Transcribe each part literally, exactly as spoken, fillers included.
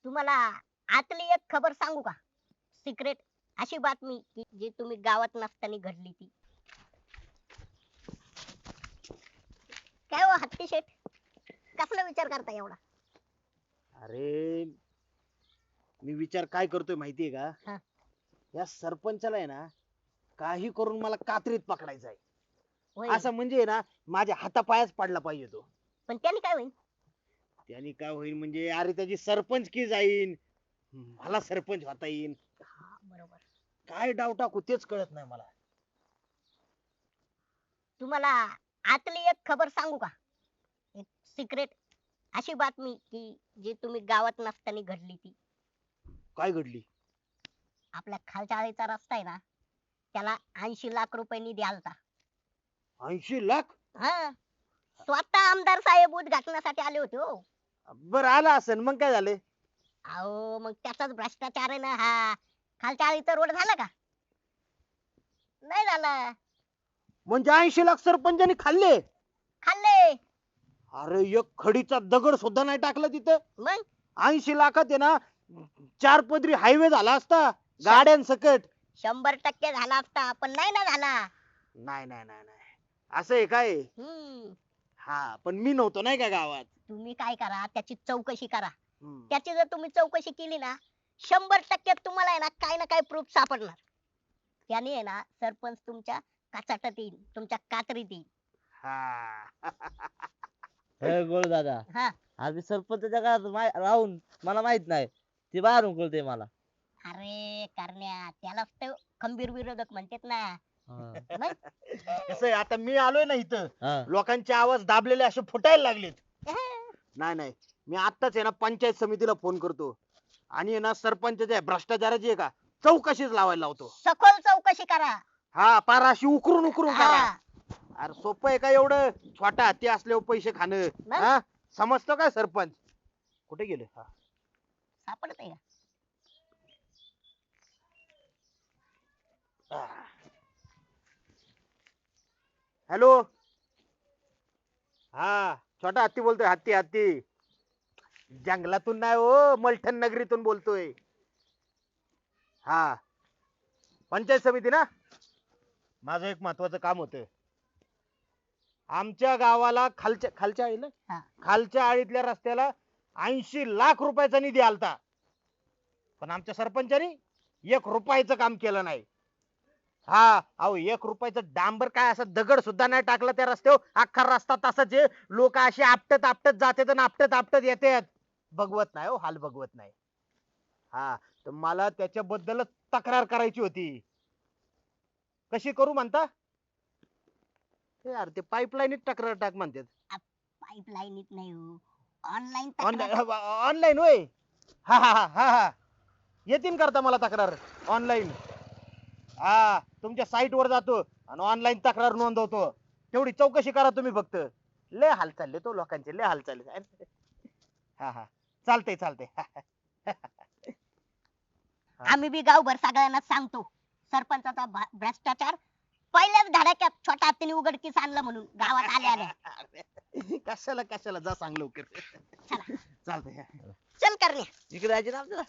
तुम्हाला आतली एक खबर सांगू का? सिक्रेट अशी बातमी की जी तुम्ही गावात नसताना घडली ती. काय हो हत्ती शेठ, कसला विचार करता एवढा? अरे मी विचार काय करतोय माहितीये हा. का? या सरपंचाला आहे ना काही करून मला कात्रीत पकडायचं आहे. होय. असं म्हणजे ना माझ्या हातापायाच पडला पाहिजे तो. पण त्याने काय होईल? त्याने काय होईल म्हणजे अरे त्याची सरपंचकी जाईन, मला सरपंच होता येईल. हा बरोबर. काय डाव टाकू तेच कळत नाही मला. तुम्हाला आतली एक खबर सांगू का? एक सिक्रेट अशी बातमी की जी तुम्ही गावात नसताना घडली ती. काय घडली? आपल्या खालच्या आळीचा रस्ता आहे ना, त्याला ऐंशी लाख रुपये निधी आलता. ऐंशी लाख? हा, स्वतः आमदार साहेब उद्घाटनासाठी आले होते हो. बर आला असेल मग काय झाले? अहो मग त्याचाच भ्रष्टाचार आहे ना हा. खालच्या आळीचा रोड झाला का? नाही झाला. म्हणजे ऐंशी लाख सरपंचानी खाल्ले? खाल्ले. अरे एक खडीचा दगड सुद्धा नाही टाकला तिथं. मग ऐंशी लाखात आहे ना चार पदरी हायवे झाला असता गाड्यांसकट. शंभर टक्के झाला असता पण नाही ना झाला. नाही नाही नाही नाही असं आहे काय? हम्म. हा पण मी नव्हतो नाही का गावात. तुम्ही काय करा, त्याची चौकशी करा. हम्म. त्याची जर तुम्ही चौकशी केली ना, शंभर टक्के तुम्हाला आहे ना काही ना काही प्रूफ सापडणार. त्याने आहे ना सरपंच तुमच्या काचाटात येईल, तुमच्या कात्रीत येईल. हा. हे गोळ दादा, हा. आज मी सरपंचाच्या घरात माय- राहून मला माहित नाही ते बाहेरून कळते मला. अरे करण्या, त्यालाच तर खंबीर विरोधक म्हणतात ना. हा. मग कसं आहे आता मी आलोय ना इथं, हा. लोकांचे आवाज दाबलेले असे फुटायला लागलेत. अहं. नाही नाही मी आत्ताच आहे ना पंचायत समितीला फोन करतो आणि आहे ना सरपंचाच्या भ्रष्टाचाराची आहे का चौकशीच लावायला लावतो. सखोल चौकशी करा. हा पार अशी उकरून उकरून करा. हा. अरे सोपं आहे का एवढं? छोटा हत्ती असल्यावर पैसे खाणं. मग? हा समजतो काय सरपंच? कुठे गेले? हा. सापडत आहे का? हॅलो. हा छोटा हत्ती बोलतोय. हत्ती हत्ती जंगलातून नाही हो, मलठण नगरीतून बोलतोय. हा पंचायत समिती ना. माझं एक महत्वाचं काम होतं. आमच्या गावाला खालच्या खालच्या आळीला हा. खालच्या आळीतल्या रस्त्याला ऐंशी लाख रुपयाचा निधी आलता, पण आमच्या सरपंचानी एक रुपयाचं काम केलं नाही. हा अहो एक रुपयाचं डांबर काय असं दगड सुद्धा नाही टाकला त्या रस्त्यावर. अख्खा रस्ता तसाच आहे. लोक अशी आपटत आपटत जातात आणि आपटत आपटत येतात. बघवत नाही हो, हाल बघवत नाही. हा तर मला त्याच्याबद्दलच तक्रार करायची होती. कशी करू म्हणता? हे यार ते पाईपलाईनीत तक्रार टाक म्हणतात. पाईपलाईनीत नाही हो, ऑनलाईन ऑनलाईन ऑनलाईन होय. हा हा हा हा हा येतीन करता मला तक्रार ऑनलाईन. हा तुमच्या साईट वर जातो आणि ऑनलाईन तक्रार नोंदवतो. तेवढी चौकशी करा तुम्ही फक्त. लय हाल चालले तो लोकांचे, लय हाल चालले. हा हा चालतंय चालतंय. आम्ही बी गावभर सगळ्यांना सांगतो सरपंचाचा भा- भ्रष्टाचार पहिल्याच धडाक्यात छोटा हत्तीने उघडकीस आणला म्हणून गावात आल्या आल्या. कशाला कशाला जा सांग लवकर. चला. चालतंय. चल करण्या. इकडे जायचे ना आपल्याला.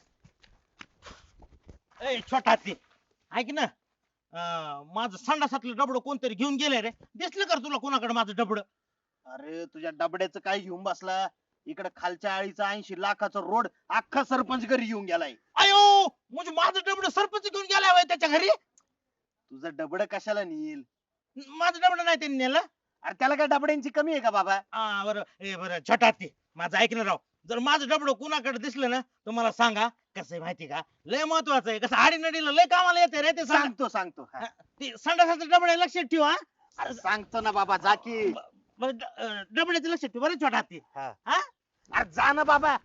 ए छोटा हत्ती ऐक ना. अं, माझं संडासातलं डबडं कोणतरी घेऊन गेलंय रे. दिसलं कर तुला कोणाकडे माझं डबडं? अरे तुझ्या डबड्याचं काय घेऊन बसला? इकडे खालच्या आळीचा ऐंशी लाखाचा रोड अख्खा सरपंच घरी घेऊन गेलाय. अयो म्हणजे माझं डबडं सरपंच घेऊन गेलाय होय त्याच्या घरी? तुझं डबडं कशाला नेईल? माझं डबडं नाही त्यांनी नेलं. अरे त्याला काय डबड्यांची कमी आहे का बाबा? हा बरं. ए बरं छोटा हत्ती माझं ऐक ना राव. जर माझं डबडं कुणाकडे दिसलं ना तर मला सांगा. कसं आहे माहिती का, लय महत्वाचं आहे. कसं आडीनडीला लय कामाला येते रे ते. सांगतो सांगतो. ते संडासाचं डबडं लक्षात ठेवा. अरे सांगतो ना बाबा जा की. डबड्याचं लक्षात ठेव बरं छोटा हत्ती. हा अरे जा ना बाबा.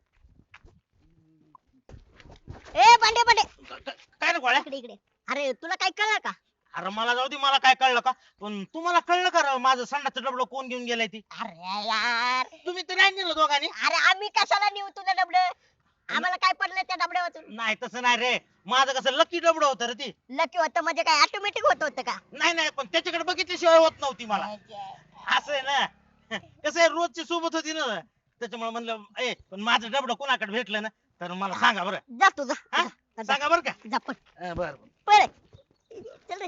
ए बंडे बंडे, काय रे गोळ्या? इकडे इकडे. अरे तुला काय कळलं का? अरे मला जाऊ दे, मला काय कळलं का, पण तुम्हाला कळलं का राव माझं संडासचं डबडं कोण घेऊन गेलाय ती? अरे यार, तुम्ही तर नाही नेलं दोघांनी. अरे आम्ही कशाला नेऊ तुझं डबड? आम्हाला काय पडलं त्या डबड्यावरून? नाही तसं नाही रे, माझं कसं लकी डबडं होतं रे ती. लकी होतं म्हणजे काय ऑटोमॅटिक होत होतं का? नाही नाही पण त्याच्याकडे बघितल्याशिवाय होत नव्हती मला. असं आहे ना. कसं आहे रोजची सोबत होती ना त्याच्यामुळे म्हणलं ए पण माझं डबडं कोणाकडे भेटलं ना तर मला सांगा बरं. जा तू जा हा? जा, जा, सांगा बरं का. जा पण अं, बरं बरं. पळ चल रे.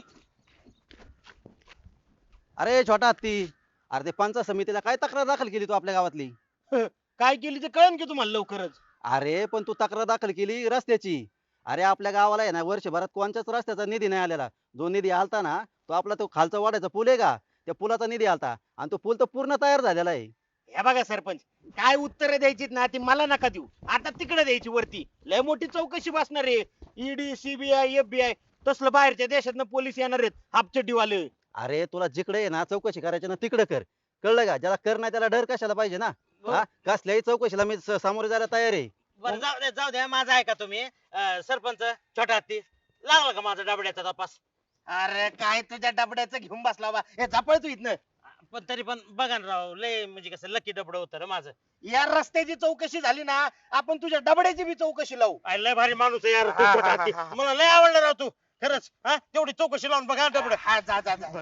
अरे छोटा हत्ती, अरे ते पंचायत समितीला काय तक्रार दाखल केली तू आपल्या गावातली? काय केली ते कळन की तुम्हाला लवकरच. अरे पण तू तक्रार दाखल केली रस्त्याची. अरे आपल्या गावाला आहे ना वर्षभरात कोणत्याच रस्त्याचा निधी नाही आलेला. जो निधी आलता ना तो आपला तो खालचा वाड्याचा पूल आहे का, त्या पुलाचा निधी आलता आणि तो पूल तर पूर्ण तयार झालेला आहे. हे बघा सरपंच, काय उत्तर द्यायची ना ती मला नका देऊ, आता तिकडे द्यायची वरती. लय मोठी चौकशी बसणार आहे. ईडी सीबीआय एफबीआय तसलं बाहेरच्या देशातनं पोलीस येणार आहेत हापचड्डीवाले. अरे तुला जिकडे आहे ना चौकशी करायची ना तिकडे कर, कळलं का? ज्याला कर नाही त्याला डर कशाला पाहिजे ना. हा कसल्याही चौकशीला मी स- सामोरे जायला तयार आहे. बरं जाऊ द्या जाऊ द्या, माझा ऐका तुम्ही. अं, सरपंच छोटा हत्ती, लागला का माझा डबड्याचा तपास? अरे काय तुझ्या डबड्याचं घेऊन बसला बा, हे झापळ तू इथनं. पण तरी पण बघा ना राव, लय म्हणजे कसं लकी डबड होतं रे माझं. या रस्त्याची चौकशी झाली ना, आपण तुझ्या डबड्याची बी चौकशी लावू. अरे लय भारी माणूस आहे यार तू छोटा हत्ती. मला लय आवडलं राव तू खरंच. हा तेवढी चौकशी लावून बघा डबड. हा जा जा जा.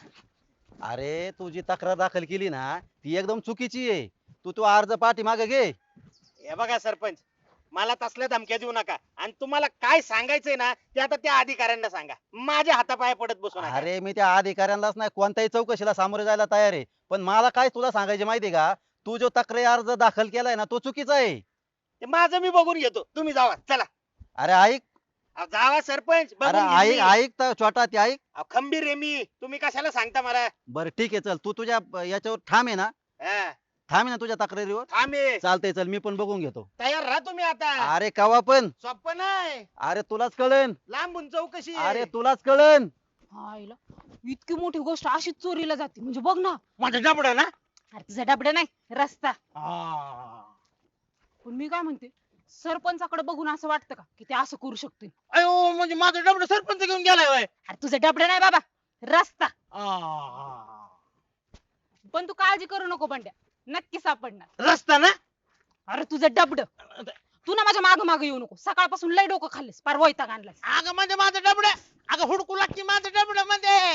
अरे तू जी तक्रार दाखल केली ना ती एकदम चुकीची आहे. तू तो अर्ज पाठी मागे घे. हे बघा सरपंच, मला तसल्या धमक्या देऊ नका, आणि तुम्हाला काय सांगायचंय ना ते आता त्या अधिकाऱ्यांना सांगा. माझ्या हातापाया पडत बसू नका. अरे मी त्या अधिकाऱ्यांनाच नाही कोणत्याही चौकशीला सामोरे जायला तयार आहे. पण मला काय तुला सांगायचे माहितीये का, तू जो तक्रारी अर्ज दाखल केलाय ना तो चुकीचा आहे. ते माझं मी बघून घेतो, तुम्ही जावा चला. अरे ऐक, अहो, जावा सरपंच, अरे बघून ऐक घेईन मी. ऐक तर छोटा ते ऐक. अहो, खंबीर आहे मी, तुम्ही कशाला सांगता मला. बरं ठीक आहे चल, तू तुझ्या अं, याच्यावर ठाम आहे ना, हा, ठाम आहे ना तुझ्या तक्रारीवर. थांबे चालतंय चल, मी पण बघून घेतो. तयार राहा तुम्ही आता. अरे कवा पण, सोपं नाही, अरे तुलाच कळन, लांबून चौकशी आहे. अरे तुलाच कळन. आईला इतकी मोठी गोष्ट अशीच चोरीला जाते म्हणजे बघ ना. माझं डबड ना. अरे तुझा डबडा नाही रस्ता. आ. पण मी काय म्हणते, सरपंचाकडे बघून असं वाटतं का की ते असं करू शकतील? अयो म्हणजे माझं डबड सरपंच घेऊन गेलाय होय. अरे तुझा डबडा नाही बाबा, रस्ता. आ. पण तू काळजी करू नको बंड्या, नक्की सापडणार. रस्ता ना. अरे तुझं डबड, तू ना माझ्या माग माग येऊ नको. सकाळपासून लय डोकं खाल्लेस, पार वैताग आणलास. अगं म्हणजे माझं डबड, अगं हुडकू लागते माझं डबड मध्ये.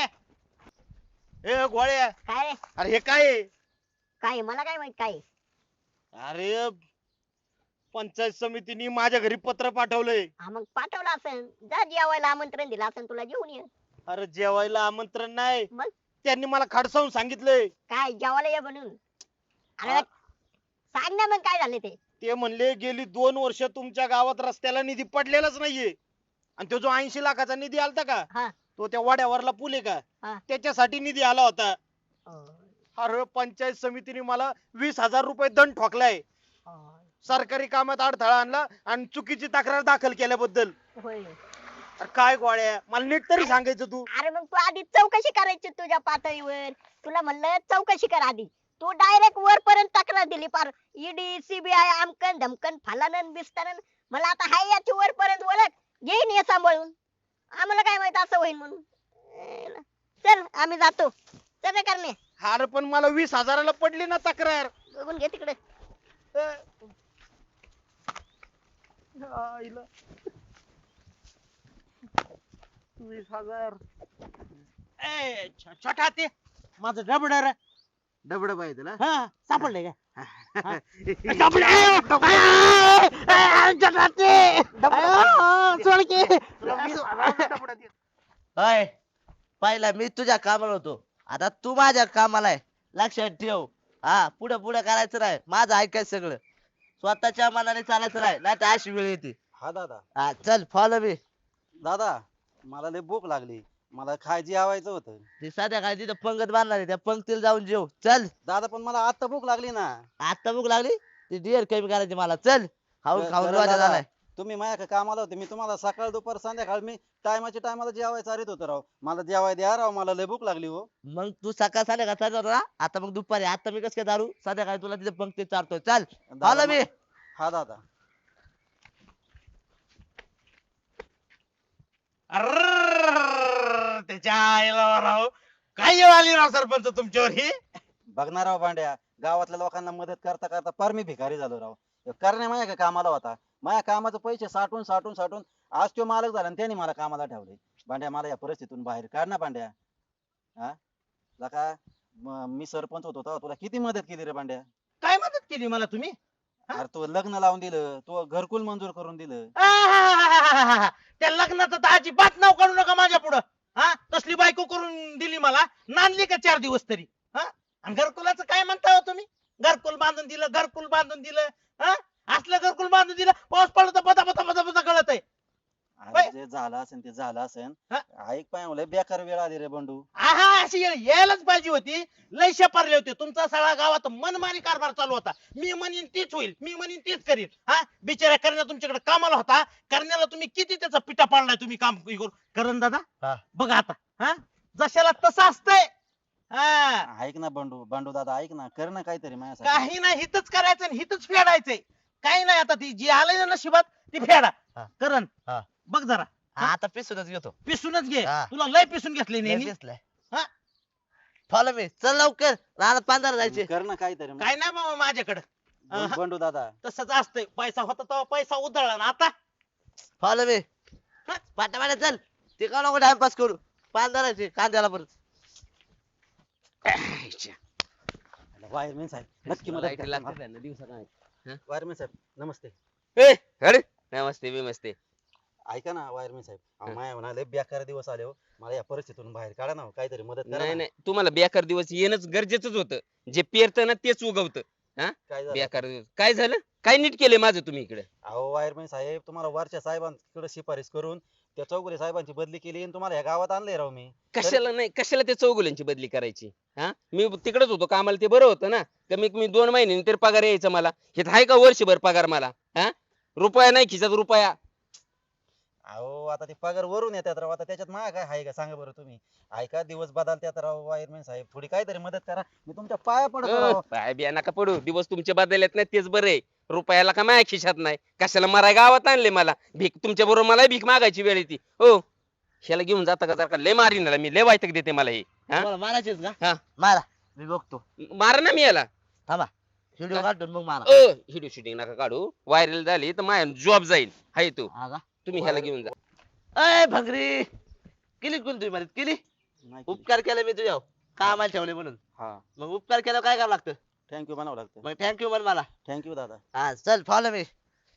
ए गोळ्या, काय अरे हे काय आहे? काय मला काय माहित काय अरे पंचायत समितीने माझ्या घरी पत्र पाठवलंय. हा मग पाठवलं असेल, जा जेवायला आमंत्रण दिलं असेल तुला, जेवून ये. अरे जेवायला आमंत्रण नाही, मग त्यांनी मला खडसावून सांगितलंय. काय जेवायला ये म्हणून? अरे हा. सांग ना मग काय झाले ते. ते म्हणले गेली दोन वर्ष तुमच्या गावात रस्त्याला निधी पडलेलाच नाहीये, आणि तो जो ऐंशी लाखाचा निधी आलता का, हा तो त्या वाड्यावरला पूल आहे हा. का त्याच्यासाठी निधी आला होता. अं, अरे पंचायत समितीने मला वीस हजार रुपये दंड ठोकलाय, अं, सरकारी कामात अडथळा आणला आणि चुकीची तक्रार दाखल केल्याबद्दल. होय. अरे काय गोळ्या, मला नीट तरी सांगायचं तू. अरे मग तू आधी चौकशी करायची तुझ्या पातळीवर. तुला म्हणलं चौकशी कर आधी, तू डायरेक्ट वर पर्यंत तक्रार दिली. पार ईडी सीबीआय आमकन धमकन फलानन बिस्तानन. मला आता हाय याची वर पर्यंत ओळख, घेईन हे सांभाळून. आम्हाला काय माहित असं होईल म्हणून. अं, चल आम्ही जातो. चल रे करणे, अरे पण मला वीस हजाराला पडली ना तक्रार. बघून घे तिकडे. आईला. वीस हजार. ए छ- छोटा ते माझं डबड रे. डबड पाहिजे ना. हा सापडलंय का? होय पहिला मी तुझ्या कामाला होतो, आता तू माझ्या कामाला आहे. लक्षात ठेव. हा पुढे पुढे करायचं नाही, माझं ऐकायचं सगळं. स्वतःच्या मनाने चालायचं नाही, नाही तर अशी वेळ येते. हा दादा, हा चल फॉलो मी. दादा मला लय भूक लागली, मला खायची आवायचं होतं. ते साध्या काय तिथं पंगत बांधणार आहे, त्या पंक्तीला जाऊन जेव चल. दादा पण मला आता भूक लागली ना. आता भूक लागली, ती डिअर कमी करायची मला. चल खाऊन ब- खाऊन बरं वाजा दादा, झालाय. तुम्ही माझ्या कामाला होते, मी तुम्हाला सकाळ दुपार संध्याकाळ मी टायमाच्या टायमाला जेवायचं चारित होतो राव. मला जेवाय द्या राव, मला लय भूक लागली हो. मग तू सकाळ संध्याकाळ चालत होता ना, आता मग दुपारी. आता मी कसं काय दारू, संध्याकाळी तुला तिथे पंक्तीत चारतोय. चल दादा, फॉलो मी. हा दादा. अर्रर्रर्र, त्याच्या आईला राव, काय येळ आली राव सरपंच तुमच्यावर ही. बघणार राव भांड्या, गावातल्या लोकांना मदत करता करता फार मी भिकारी झालो राव. करणे माझ्या का कामाला होता, माझ्या कामाचे पैसे साठून साठून साठून आज तो मालक झाला आणि त्यांनी मला कामाला ठेवले. भांड्या मला या परिस्थितीतून बाहेर काढ ना भांड्या. हा लका, म- मी सरपंच होतो तेव्हा तुला किती मदत केली रे भांड्या. काय मदत केली मला तुम्ही? अरे तू लग्न लावून दिलं, तू घरकुल मंजूर करून दिलं. आहाहाहाहा. त्या लग्नाचं तर अजिबात नाव काढू नका माझ्या पुढं. हा तसली बायको करून दिली मला, नांदली का चार दिवस तरी. हा आणि घरकुलाचं काय म्हणता हो तुम्ही? घरकुल बांधून दिलं, घरकुल बांधून दिलं. हा असलं घरकुल बांधून दिलं, पाऊस पडला तर बता बता बता बता गळत आहे. अरे जे झालं असेल ते झालं असेल. हा? ऐक पाय मला बेकार वेळ आली रे बंडू. आहा अशी ये- यायलाच पाहिजे होती. लय शेपारले होते. तुमचा सगळा गावात मनमानी कारभार चालू होता. मी म्हणीन तीच होईल, मी म्हणीन तीच करीन. हा बिचाऱ्या करण्या तुमच्याकडे कामाला होता. करण्याला तुम्ही किती त्याचा पिटा पाडलाय तुम्ही काम करून. करण दादा हा. बघा आता. हा जशाला तसं असतंय. हा ऐक ना बंडू, बंडू दादा ऐक ना, कर ना काहीतरी माझ्यासाठी. काही नाही हितच करायचं आणि हितच फेडायचंय. काही नाही आता ती जी आलंय ना नशिबात ती फेडा. हा. करण हा. बघ जरा हा, आता पिसूनच घेतो. पिसूनच घे. हा. तुला लय पिसून घेतले लय नेहमी. दिसलंय. हा. फॉलो मी, चल लवकर रानात पांढरा जायचे. कर ना काहीतरी मग. काय नाही बाबा माझ्याकडे. बं- बंडू दादा तसंच असतंय. पैसा होता तेव्हा पैसा उधळला ना आता. फॉलो मी, पाटा पाटा चल. ते का नको टाइमपास करू. पांढराचे कांद्याला परत. वायरमॅन साहेब नक्की मदत करा मला. वायरमॅन साहेब नमस्ते. ए अरे नमस्ते बिमस्ते. ऐका ना वायरमॅन साहेब, अहो, माया म्हणाले बेकार दिवस आले हो, मला या परिस्थितीतून बाहेर काढा ना हो, काहीतरी मदत करा नाही ना. नाही तुम्हाला बेकार दिवस येणंच गरजेचंच होतं. जे पेरतं ना तेच उगवतं. काय झालं? बेकार दिवस काय झालं? काय नीट केलंय माझं तुम्ही इकडे? अहो वायरमॅन साहेब, तुम्हाला वरच्या साहेबांकडे शिफारस करून त्या चौगुले साहेबांची बदली केली आणि तुम्हाला या गावात आणलंय राव मी. कशाला नाही कशाला त्या चौगुल्यांची बदली करायची? हा मी तिकडेच होतो कामाला, ते बरं होतं ना. कमीत कमी दोन महिन्यांनी तरी पगार यायचा मला. हे आहे का वर्षभर पगार मला? हा रुपया नाही खिशात रुपया. अहो आता ते पगार वरून येतात राव, आता त्याच्यात माझ्या काय आहे का सांगा बरं तुम्ही. ऐका दिवस बदलतात राव वायरमॅन साहेब, थोडी काहीतरी मदत करा, मी तुमच्या पाया पडतो राव. अं, पाय बिया नका पडू. दिवस तुमचे बदललेत नाही तेच बरे आहे. रुपयाला का माझ्या खिशात नाही. कशाला मराय गावात आणले मला भीक. तुमच्या बरोबर मला भीक मागायची वेळ येते हो. ह्याला घेऊन जाता का जर का लय मारीन मी, लय वायतक देते मला हे. हा? तुम्हाला मारायचेच का? हा. मारा, मी बघतो. मारा ना मी याला. थांबा, व्हिडिओ काढून मग मारा. अ व्हिडिओ शूटिंग नका काढू. व्हायरल झाली तर माझ्या जॉब जाईल. हाय तू हा का? तुम्ही ह्याला घेऊन जा. अय भंगरी, केली कोण तुम्ही मदत केली? नाही केली. उपकार केला मी तुझ्या कामाला ठेवले म्हणून. हा मग उपकार केला काय करावं लागतं? थँक्यू म्हणावं लागतं. मग थँक्यू म्हण मला. थँक्यू दादा. हा चल फॉलो मी.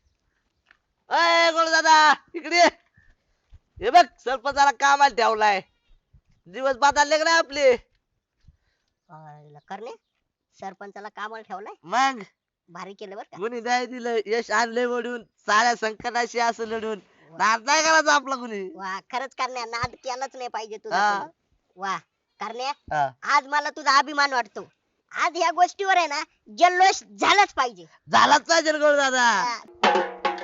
अय गोळ दादा इकडे ये. हे बघ सरपंचाला कामाला ठेवलाय. दिवस बदलले का नाही आपले? आईला करणे सरपंचाला कामाला ठेवलाय. मग भारी केलं बरं का. कुणी नाही दिलं यश आणले म्हणून, साऱ्या संकटाशी असं लढून नाद नाही करायचा आपला कुणी. वा खरंच करण्या नाद केलाच नाही पाहिजे तुझा हा. तू. वा करण्या हा. आज मला तुझा अभिमान वाटतो. आज ह्या गोष्टीवर आहे ना जल्लोष झालाच पाहिजे. झालाच पाहिजे गोळ दादा. हा.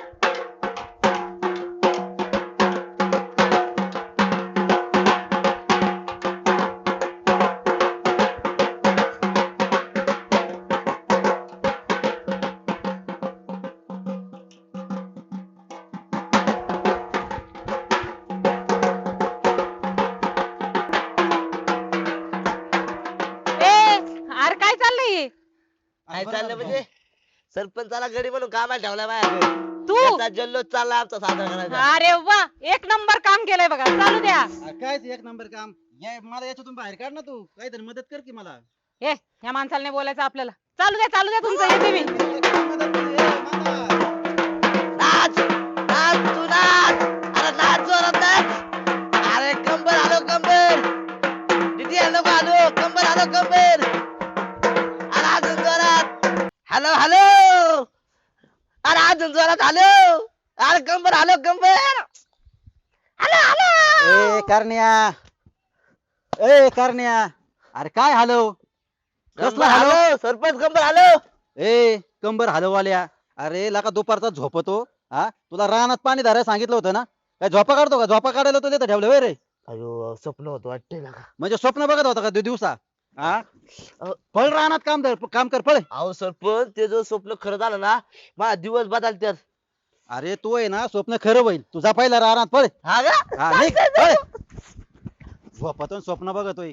ए अरे काय चाललंय हे? काय चाललं म्हणजे? सरपंचाला गडी म्हणून कामाला ठेवलाय माझ्या. तू त्याचा जल्लोष चालला आमचा साजरा करायचा. अरे वा एक नंबर काम केलंय बघा. चालू द्या. आ, काय ते एक नंबर काम. या मला याच्यातून बाहेर काढ ना तू, काहीतरी मदत कर की मला. ए ह्या माणसाला नाही बोलायचं आपल्याला. चालू द्या चालू द्या तुमचं येते मी. मदत कर, ए, मामा. नाच नाच तू नाच. अरे नाच जोरात नाच. अरे कंबर आलो कंबर. दीदी हॅलो आलो कंबर आलो कंबर. अरे अजून जोरात. Hello hello. अरे अजून जोरात हॅलो. अरे कंबर आलो कंबर. Hello hello. ए करण्या, ए करण्या, अरे काय हॅलो कसला कंबर हॅलो? हॅलो. सरपंच कंबर हॅलो. ए कंबर हलवाल्या, अरे लका दुपारचा झोपतो. हा तुला रानात पाणी धरायला सांगितलं होतं ना, काय झोपा काढतो का? झोपा काढायला तुला इथं ठेवलं होय रे? अयो स्वप्न होत वाटते ना. म्हणजे स्वप्न बघत होता का दि- दिवसा? हा अहो. पळ रानात काम धर, काम कर पळ. अहो सरपंच ते जो स्वप्न खरं झालं ना, माझा दिवस बदलतात. अरे तू आहे ना स्वप्न खरं होईल तुझा, पहिला रानात पळ. हा का? हा निघ, पळ. झोपातून स्वप्न बघतोय.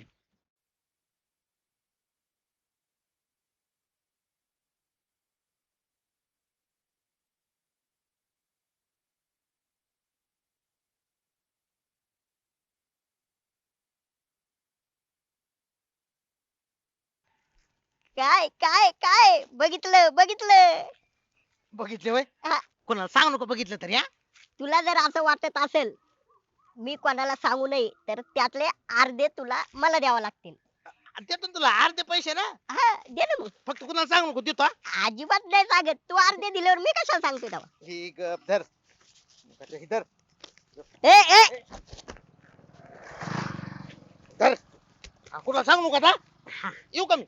काय काय काय बघितलं बघितलं. बघितले वय हा. कोणाला सांग नको बघितलं तरी हा तुला जर असं वाटत असेल मी कोणाला सांगू नये तर त्यातले अर्धे तुला मला द्यावं लागतील. आणि त्यातून तुला अर्धे पैसे ना हा दे ना मग. फक्त कुणाला सांग नको देतो हा. अजिबात नाही सांगत. तू अर्धे दिल्यावर मी कशाला सांगतो तेव्हा. ही गप धर ही धर ए ए धर हा, कुणाला सांग नको आता येऊ का मी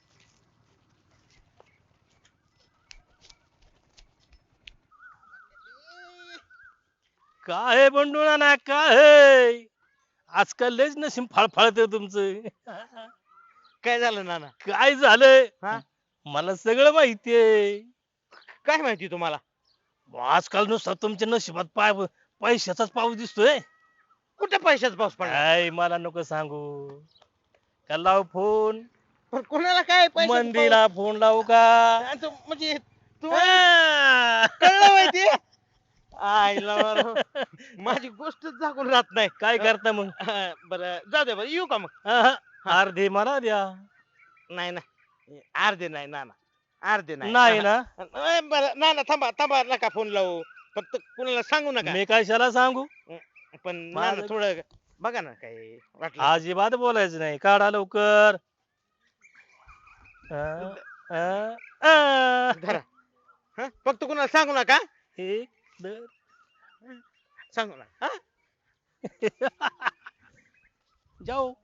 काय बंडू ना काय आजकाल लयच नशीब फळफळत तुमचं. काय झालं नाना काय झालंय हा? मला सगळं माहितीये. काय माहिती तुम्हाला आजकाल नुसतं तुमच्या नशिबात पाय पैशाचाच पाऊस दिसतोय. कुठे पैशाचा पाऊस पडला काय मला नको सांगू. का लाव फोन पण कोणाला काय पैशाचा मंदीला फोन लावू का पाऊस? आणि तो म्हणजे तू हा. कळलं माहिती आईला बरं. माझी गोष्टच झाकून राहत नाही काय करता मग हा, बरं जाऊ दे बरं येऊ का मग हा, हा. अर्धे मला द्या. नाही नाही अर्धे नाही नाना अर्धे नाही नाही ना अ, बरं ना ना थांबा थांबा नका फोन लावू फक्त कुणाला सांगू नका मी कशाला सांगू. पण माझं- नाना थोडं बघा ना काही वाटलं अजिबात बोलायचं नाही. काढा लवकर. अं, अं, अं. धरा हं? फक्त कुणाला सांगू नका एक दोन. सांगू नका हं? जाऊ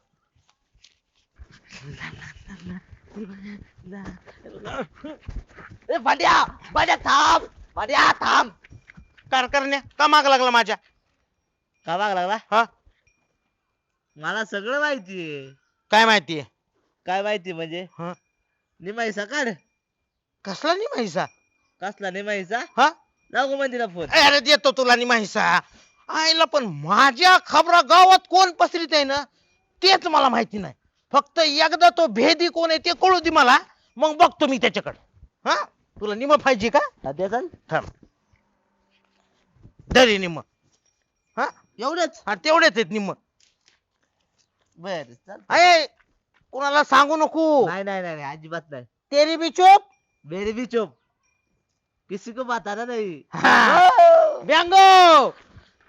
ए भांड्या भांड्या थांब भांड्या थांब. कार करण्या का माग लागला माझ्या का माग लागला हा मला सगळं माहितीये. काय माहितीये काय माहिती म्हणजे हा. निमाईसा काढ. कसला नाही माहिसा कसला निमाईसा हा लागू मंदिरा फोन. अरे देतो तुला नाही माहिसा आईला पण माझ्या खबरा गावात कोण पसरीत आहे ना तेच मला माहिती नाही. फक्त एकदा तो भेदी कोण आहे ते कळू दे मला मग बघतो मी त्याच्याकडे हा तुला निम पाहिजे का सध्या चल थांब दरी निम हा एवढंच. हा तेवढेच आहेत निम बर चल. अय कोणाला सांगू नको नाही नाही नाही नाही, अजिबात नाही. तेरी बी चोप मेरी भी चुप किसी को बताना नहीं. ब्यांगो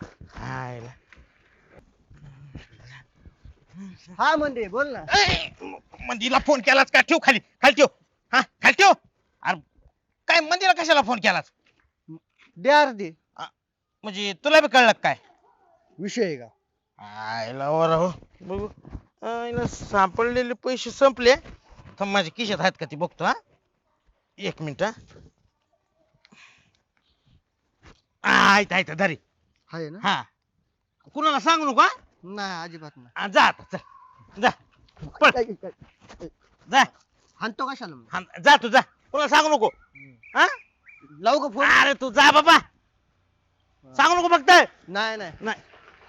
हा म्हणजे बोल ना. मंदीला फोन केलास का ठेव खाली खाली ठेव हा खाली ठेव अरे काय मंदीला कशाला फोन केलास द्या अर्धी म्हणजे तुला बी कळलं का काय विषय आहे का. आयला वर हो बघू आईला सापडलेले पैसे संपले थांब माझ्या खिशात आहेत का ती बघतो हा एक मिनिट हा आ, आहेत आहेत धरी आहे ना. हा कुणाला सांगू नको हा? नाही अजिबात नाही. हा, जा आता चल जा पळ काय- काय- जा हाणतो कशाला मग? हा, जा तू जा कुणाला सांगू नको हा लावू का फोन. अरे तू जा बाबा सांगू नको फक्त नाही नाही नाही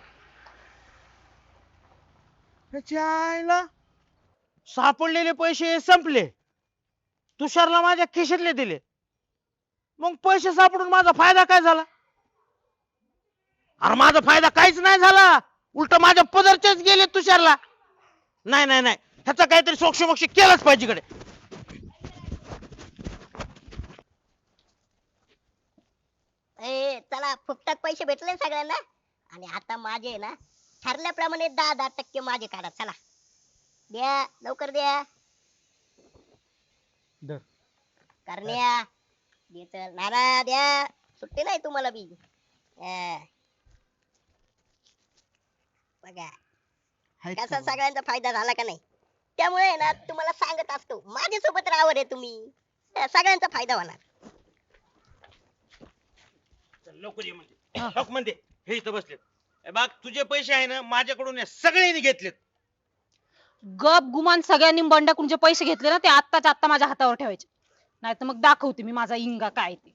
त्याच्या आईला सापडलेले पैसे संपले तुषारला माझ्या खिशातले दिले मग पैसे सापडून माझा फायदा काय झाला अरे माझा फायदा काहीच नाही झाला उलट माझ्या पदरचेच गेले तुषारला नाही नाही नाही ह्याचा काहीतरी सोक्षमोक्ष केलंच पाहिजे कडे ए चला फुकटात पैसे भेटले ना सगळ्यांना आणि आता माझे ना ठरल्याप्रमाणे दहा दहा टक्के माझे काढा चला द्या लवकर द्या धर. करण्या दे चल नाना द्या सुट्टी नाही तुम्हाला बी अं. बघा हाय कसा का? सगळ्यांचा फायदा झाला का नाही त्यामुळे ना तुम्हाला सांगत असतो माझ्यासोबत राहावं रे तुम्ही अं, सगळ्यांचा फायदा होणार लवकर ये म्हणते हक म्हणते हे इथं बसले बघ तुझे पैसे आहे ना माझ्याकडून या सगळ्यांनी घेतलेत गप गुमान सगळ्यांनी बंडाकडून जे पैसे घेतले ना ते आत्ताच्या आत्ता माझ्या हातावर ठेवायचे नाही तर मग दाखवते मी माझा इंगा काय ते.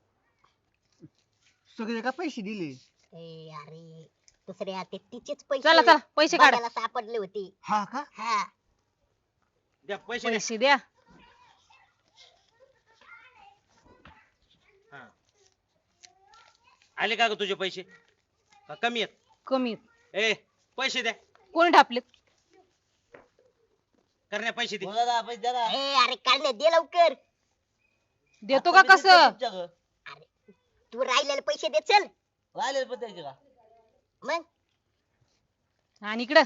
सगळे का पैसे दिले. ए अरे दुसऱ्या ते तिचेच पैसे चला चला पैसे काढा बघायला सापडले होते हा का. हा द्या पैसे द्या. पैसे द्या. हा. आले का ग तुझे पैसे का कमी आहेत कमी ए पैसे द्या कोणी ढापलेत करण्या पैसे दे बोला ना, पैसे द्या ना. ए अरे काढले दे लवकर देतो आता का मी देतो कसं तुमच्याकडं. तू राहिलेले पैसे दे चल. राहिलेले पण द्यायचे का? मग आणि इकडं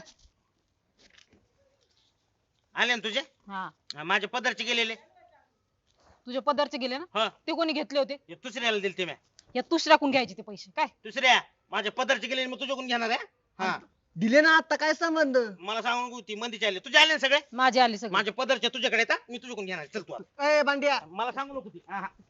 आले ना तुझे हा हा, माझे पदरचे गेलेले तुझ्या पदरचे गेले ना हा ते कोणी घेतले होते हे दुसऱ्याला दिलते मी या दुसऱ्याकडून घ्यायचे ते पैसे काय दुसऱ्या माझे पदरचे गेलेले मग तुझ्याकडून घेणार आहे हा दिले ना आता काय संबंध मला सांगून होती मंदीचे आले तुझे आले ना सगळे माझे आले सगळे माझे पदरचे तुझ्याकडे येतात मी तुझ्याकडून घेणार आहे. चल तू आता. ए बांड्या मला सांगू नको ती हा, हा.